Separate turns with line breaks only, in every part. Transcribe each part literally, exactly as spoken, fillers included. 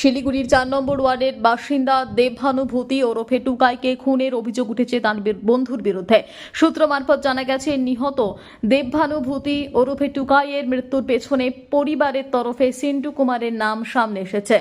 শিলিগুড়ির চার নম্বর ওয়ার্ডের বাসিন্দা দেবভানুভূতি ওরফে টুকাইকে খুনের অভিযোগ উঠেছে তার বন্ধুর বিরুদ্ধে। সূত্র মারফত জানা গেছে, নিহত দেবভানুভূতি ওরফে টুকাইয়ের মৃত্যুর পেছনে পরিবারের তরফে সিন্টু কুমারের নাম সামনে এসেছে।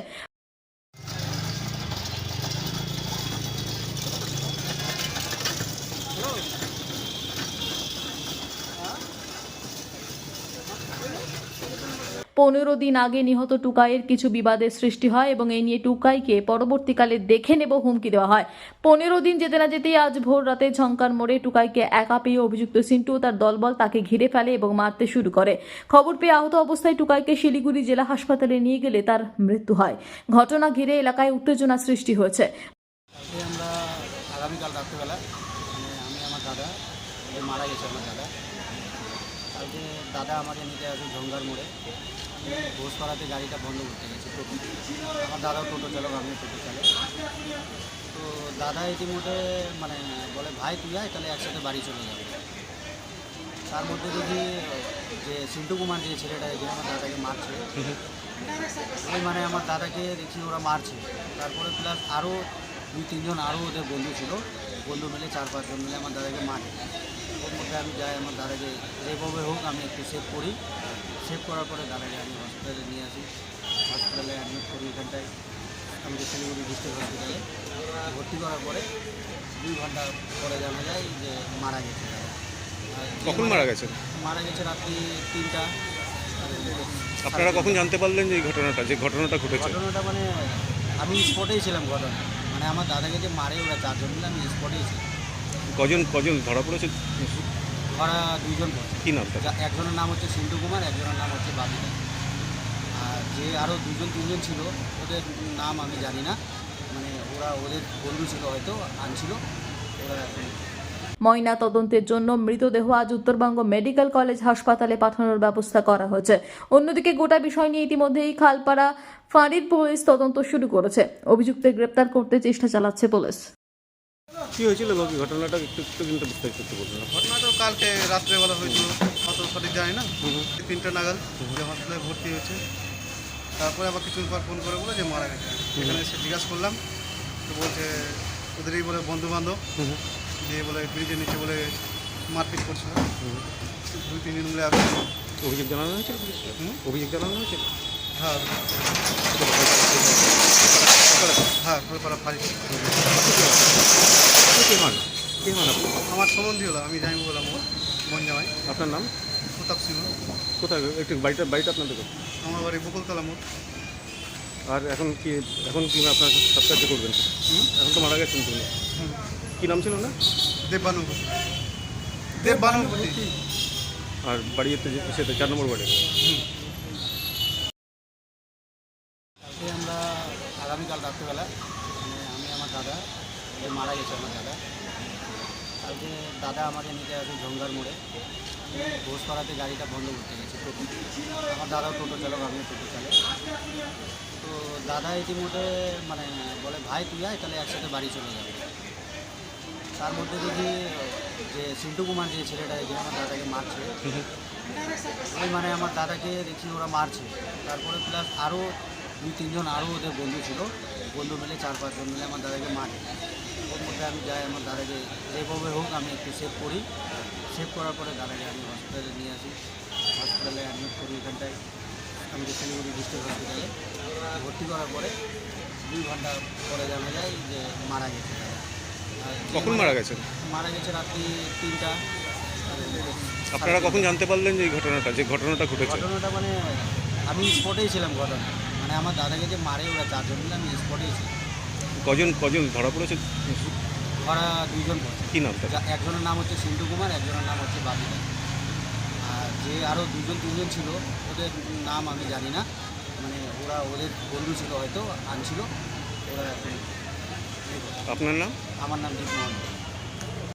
পনেরো দিন আগে নিহত টুকাইয়ের কিছু বিবাদের সৃষ্টি হয় এবং এই নিয়ে টুকাইকে পরবর্তীকালে দেখে নেব হুমকি দেওয়া হয়। পনেরো দিন যেতে না যেতেই আজ ভোর রাতে ঝঙ্কার মোড়ে টুকাইকে একা পেয়ে অভিযুক্ত সিন্টু ও তার দলবল তাকে ঘিরে ফেলে এবং মারতে শুরু করে। খবর পেয়ে আহত অবস্থায় টুকাইকে শিলিগুড়ি জেলা হাসপাতালে নিয়ে গেলে তার মৃত্যু হয়। ঘটনা ঘিরে এলাকায় উত্তেজনা সৃষ্টি হয়েছে।
আমরা আগামীকাল রাত্রিবেলা মানে আমি আমার দাদা মারা গেছে। আমার দাদা কালকে দাদা আমাকে নিতে আসে ঝঙ্কার মোড়ে। ঘোষপাড়াতে গাড়িটা বন্ধ করতে গেছে টোটো। আমার দাদাও টোটো চালক, আমিও টোটো চালক। তো দাদা ইতিমধ্যে মানে বলে, ভাই তুই আয়, তাহলে একসাথে বাড়ি চলে যাবে। তার মধ্যে দেখি যে সিন্টু কুমার যে ছেলেটা যে আমার দাদাকে মারছে, ওই মানে আমার দাদাকে দেখি ওরা মারছে। তারপরে প্লাস আরও দুই তিনজন আরও ওদের বন্ধু ছিল, বন্ধু মিলে চার পাঁচজন মিলে আমার দাদাকে মারে। ওর মধ্যে আমি যাই, আমার দাদাকে যেভাবে হোক আমি একটু সেভ করি। সেভ করার পরে দাদাকে আমি হসপিটালে নিয়ে আসি। হসপিটালে অ্যাডমিট করি। এখানটায় আমাদের শিলিগুড়ি ডিস্ট্রিক্ট হসপিটালে ভর্তি করার পরে দুই ঘন্টা পরে জানা যায় যে মারা গেছে।
কখন মারা গেছে?
মারা গেছে রাত্রি তিনটা।
আপনারা কখন জানতে পারলেন যে এই ঘটনাটা যে ঘটনাটা ঘটেছে?
ঘটনাটা মানে আমি স্পটেই ছিলাম। ঘটনা মানে আমার দাদাকে যে মারে ওরা চারজন মিলে, আমি স্পটেই ছিলাম।
কজন কজন ধরা পড়েছে?
ওরা দুইজন পড়ছে।
কী নাম?
একজনের নাম হচ্ছে সিন্টু কুমার, একজনের নাম হচ্ছে বাবিদা। আর যে আরও দুজন তিনজন ছিল ওদের নাম আমি জানি না, মানে ওরা ওদের বন্ধু ছিল, হয়তো আনছিল ওরা।
ময়না তদন্তের জন্য মৃতদেহ আজ উত্তরবঙ্গ মেডিকেল কলেজ হাসপাতালে পাঠানোর ব্যবস্থা করা হয়েছে। অন্যদিকে গোটা বিষয় নিয়ে ইতিমধ্যেই খালপাড়া ফাঁড়ির পুলিশ তদন্ত শুরু করেছে। অভিযুক্তদের গ্রেপ্তার করতে চেষ্টা চালাচ্ছে পুলিশ।
কী হয়েছিল বাকি ঘটনাটা একটু একটু কিন্তু বিস্তারিত একটু বলুন।
ঘটনাটা কালকে রাত্রেবেলা হয়েছিল, অত সঠিক জানি না। তিনটা নাগাদ যে হসপিটালে ভর্তি হয়েছে। তারপরে আবার কিছুদিন পর ফোন করে বলে যে মারা গেছে। এখানে এসে জিজ্ঞাসা করলাম, তো বলছে ওদেরই বলে বন্ধু বান্ধব দিয়ে বলে ব্রিজের নিচে বলে মারপিট করছিল। দুই তিন দিন মিলে আসছে।
অভিযোগ জানানো হয়েছিল? অভিযোগ জানানো হয়েছিল?
হ্যাঁ হ্যাঁ খোলপাড়া ফাঁড়ি।
কে মান কে মান আপনি?
আমার সম্বন্ধী হলো, আমি জানি বললাম ওর মন জামাই।
আপনার নাম?
প্রতাপ সিংহ।
কোথায় একটু বাড়িটা বাড়িটা আপনাদের?
আমার বাড়ি বকুলতলা মোড়।
আর এখন কি এখন কি আপনার সাবস্ক্রাইব করবেন? এখন তো মারা গেছেন তুমি। কী নাম ছিল না?
দেববানুভূতি। দেববানুভূতি।
আর বাড়ি সেটা চার নম্বর ওয়ার্ডে।
আমরা আগামীকাল রাত্রিবেলা মানে আমি আমার দাদা যে মারা গেছে। আমার দাদা কালকে দাদা আমাকে নিতে আসে ঝঙ্কার মোড়ে। ঘোষপাড়াতে গাড়িটা বন্ধ করতে গেছে টোটো। আমার দাদাও টোটো চালক, আমিও টোটো চালক। তো দাদা ইতিমধ্যে মানে বলে, ভাই তুই আয়, তাহলে একসাথে বাড়ি চলে যাবে। তার মধ্যে দেখি যে সিন্টু কুমার যে ছেলেটা যে আমার দাদাকে মারছে, ওই মানে আমার দাদাকে দেখি ওরা মারছে। তারপরে প্লাস আরও দুই তিনজন আরও ওদের বন্ধু ছিল, বন্ধু মিলে চার পাঁচজন মিলে আমার দাদাকে মারে। ওর মধ্যে আমি যাই, আমার দাদাকে যেভাবে হোক আমি একটু সেভ করি। সেভ করার পরে দাদাকে আমি হসপিটালে নিয়ে আসি। হসপিটালে অ্যাডমিট করি। এখানটায় আমাদের শিলিগুড়ি ডিস্ট্রিক্ট হসপিটালে ভর্তি করার পরে দুই ঘন্টা পরে জানা যায় যে মারা গেছে।
কখন মারা গেছেন?
মারা গেছে রাত্রি তিনটা।
আপনারা কখন জানতে পারলেন যে এই ঘটনাটা যে ঘটনাটা ঘটেছে?
ঘটনাটা মানে আমি স্পটেই ছিলাম। ঘটনা মানে আমার দাদাকে যে মারে ওরা চারজন মিলে, আমি স্পটেই ছিলাম।
কজন কজন ধরা পড়েছে?
ওরা দুইজন পড়ছে।
কী নাম?
একজনের নাম হচ্ছে সিন্টু কুমার, একজনের নাম হচ্ছে বাবিদা। আর যে আরও দুজন তিনজন ছিল ওদের নাম আমি জানি না, মানে ওরা ওদের বন্ধু ছিল, হয়তো আনছিল ওরা।
আপনার নাম?
আমার নাম দীপ মোহন।